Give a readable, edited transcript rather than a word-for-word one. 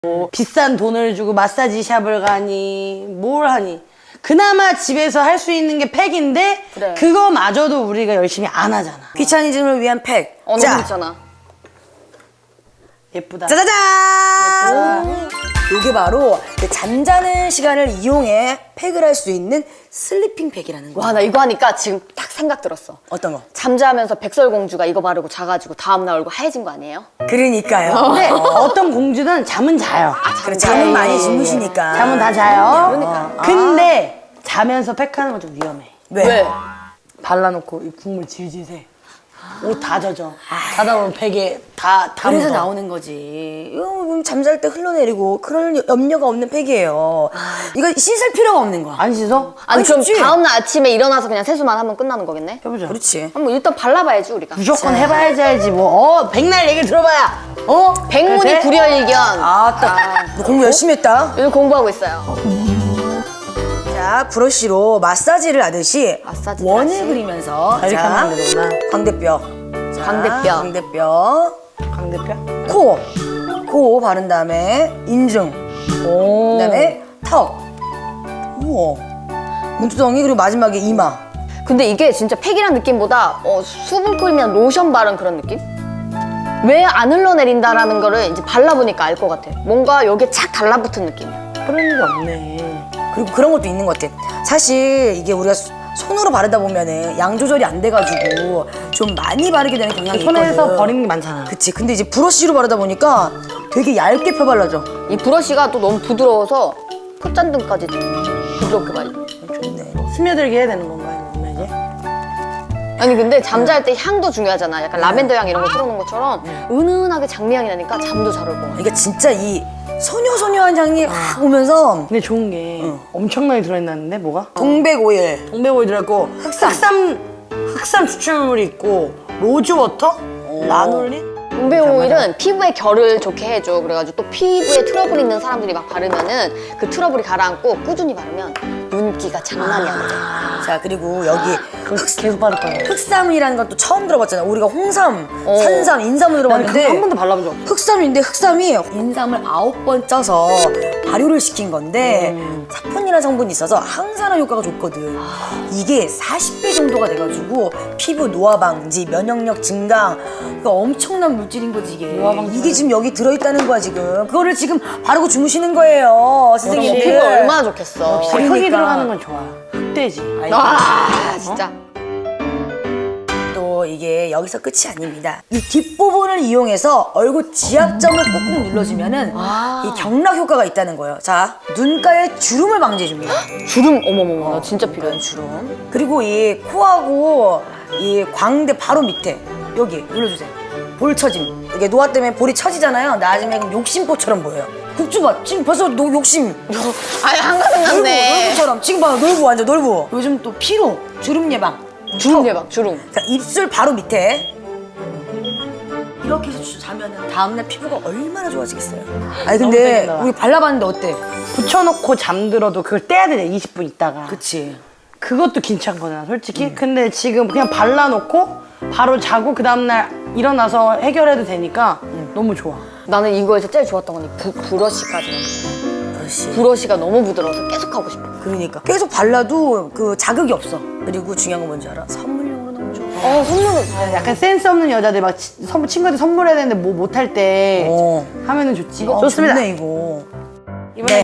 뭐 비싼 돈을 주고 마사지 샵을 가니 뭘 하니 그나마 집에서 할 수 있는 게 팩인데 그래. 그거마저도 우리가 열심히 안 하잖아. 귀차니즘을 위한 팩. 너무 자, 그렇잖아. 예쁘다. 짜자잔! 이게 바로 그 잠자는 시간을 이용해 팩을 할 수 있는 슬리핑 팩이라는 거. 와, 나 이거 하니까 지금 딱 생각 들었어. 어떤 거? 잠자면서 백설공주가 이거 바르고 자가지고 다음날 얼굴 하얘진 거 아니에요? 그러니까요. 근데 어떤 공주는 잠은 자요. 그래, 잠은 많이 주무시니까. 잠은 다 자요. 그러니까. 근데 자면서 팩하는 건 좀 위험해. 왜? 발라놓고 이 국물 질질 새. 옷 다 젖어. 자다 보면 베개 다 그래서 묻어. 나오는 거지. 이거 잠잘 때 흘러내리고 그럴 염려가 없는 팩이에요. 이거 씻을 필요가 없는 거야. 안 씻어? 아니, 그럼 쉽지? 다음날 아침에 일어나서 그냥 세수만 하면 끝나는 거겠네? 해보자. 그렇지. 한번 일단 발라봐야지, 우리가. 무조건 해봐야지 알지 뭐. 백날 얘기를 들어봐야. 백문이 그래? 불여일견. 너 공부 열심히 했다. 요즘 공부하고 있어요. 자, 브러쉬로 마사지를 하듯이 마사지 원을 다시. 그리면서 이렇게 하면 되는구나. 광대뼈. 자, 광대뼈. 광대뼈. 강대표? 코 바른 다음에 인중. 오. 그다음에 턱. 우와. 문두덩이 그리고 마지막에 이마. 근데 이게 진짜 팩이란 느낌보다 수분크림이나 로션 바른 그런 느낌? 왜 안 흘러내린다라는 거를 이제 발라보니까 알 것 같아. 뭔가 여기에 착 달라붙은 느낌이야. 그런 게 없네. 그리고 그런 것도 있는 것 같아. 사실 이게 우리가 손으로 바르다 보면은 양 조절이 안 돼가지고 좀 많이 바르게 되는 경향이 손에서 있거든. 버리는 게 많잖아. 그치. 근데 이제 브러쉬로 바르다 보니까 되게 얇게 펴발라져. 이 브러쉬가 또 너무 부드러워서 콧잔등까지 부드럽게 발려. 좋네. 스며들게 해야 되는 건가요? 그러면 이제? 아니 근데 잠잘 때 향도 중요하잖아. 약간 라벤더 향 이런 거 틀어놓은 것처럼 은은하게 장미향이 나니까 잠도 잘 올 것 같아. 그러니까 진짜 이 소녀소녀한 향이 확 오면서 근데 좋은 게 엄청나게 들어있는데 뭐가? 동백오일. 동백오일 들어있고 흑삼 추출물이 있고 로즈워터? 라놀린? 동백 오일은 피부에 결을 좋게 해줘. 그래가지고 또 피부에 트러블 있는 사람들이 막 바르면은 그 트러블이 가라앉고 꾸준히 바르면 윤기가 장난이 아니야. 자, 그리고 여기 그거 계속 바를 거야. 흑삼이라는 건 또 처음 들어봤잖아. 우리가 홍삼, 어. 산삼, 인삼을 나는 그거 들어봤는데 한 번도 발라본 적 없어. 흑삼인데 흑삼이 인삼을 9번 쪄서 발효를 시킨 건데 사포닌이라는 성분이 있어서 항산화 효과가 좋거든. 이게 40배 정도가 돼가지고 피부 노화 방지, 면역력 증강, 그러니까 엄청난 물질인 거지 이게. 노화 방지. 이게 지금 여기 들어있다는 거야 지금. 그거를 지금 바르고 주무시는 거예요, 선생님. 피부 얼마나 좋겠어. 흙이 그러니까. 들어가는 건 좋아. 흑돼지. 아 진짜. 또 이게 여기서 끝이 아닙니다. 이 뒷부분을 이용해서 얼굴 지압점을 꾹꾹 눌러주면은 이 경락 효과가 있다는 거예요. 자, 눈가에 주름을 방지해줍니다. 주름 어머머머 나 진짜 필요해. 주름. 그리고 이 코하고 이 광대 바로 밑에 여기 눌러주세요. 볼 처짐. 이게 노화 때문에 볼이 처지잖아요. 나중에 그럼 욕심보처럼 보여요. 국주 봐. 지금 벌써 욕심. 아니 한가득 났네. 놀부처럼. 지금 봐. 놀부 완전 놀부. 요즘 또 피로, 주름 예방. 주름 대박 주름. 자, 입술 바로 밑에 이렇게 해서 자면은 다음날 피부가 얼마나 좋아지겠어요. 아니 너무 근데 땡긴다. 우리 발라봤는데 어때? 붙여놓고 잠들어도 그걸 떼야 되잖아. 20분 있다가. 그치. 그것도 괜찮거든 솔직히. 근데 지금 그냥 발라놓고 바로 자고 그 다음날 일어나서 해결해도 되니까 너무 좋아. 나는 이거에서 제일 좋았던 건 이 브러쉬까지는. 그렇지. 브러쉬가 너무 부드러워서 계속 하고 싶어. 그러니까 계속 발라도 그 자극이 없어. 그리고 중요한 건 뭔지 알아? 선물용으로 너무 좋아. 선물은 약간 센스 없는 여자들 막 친구한테 선물해야 되는데 뭐 못할 때 어. 하면은 좋지. 어, 좋습니다. 좋네 이거. 이번에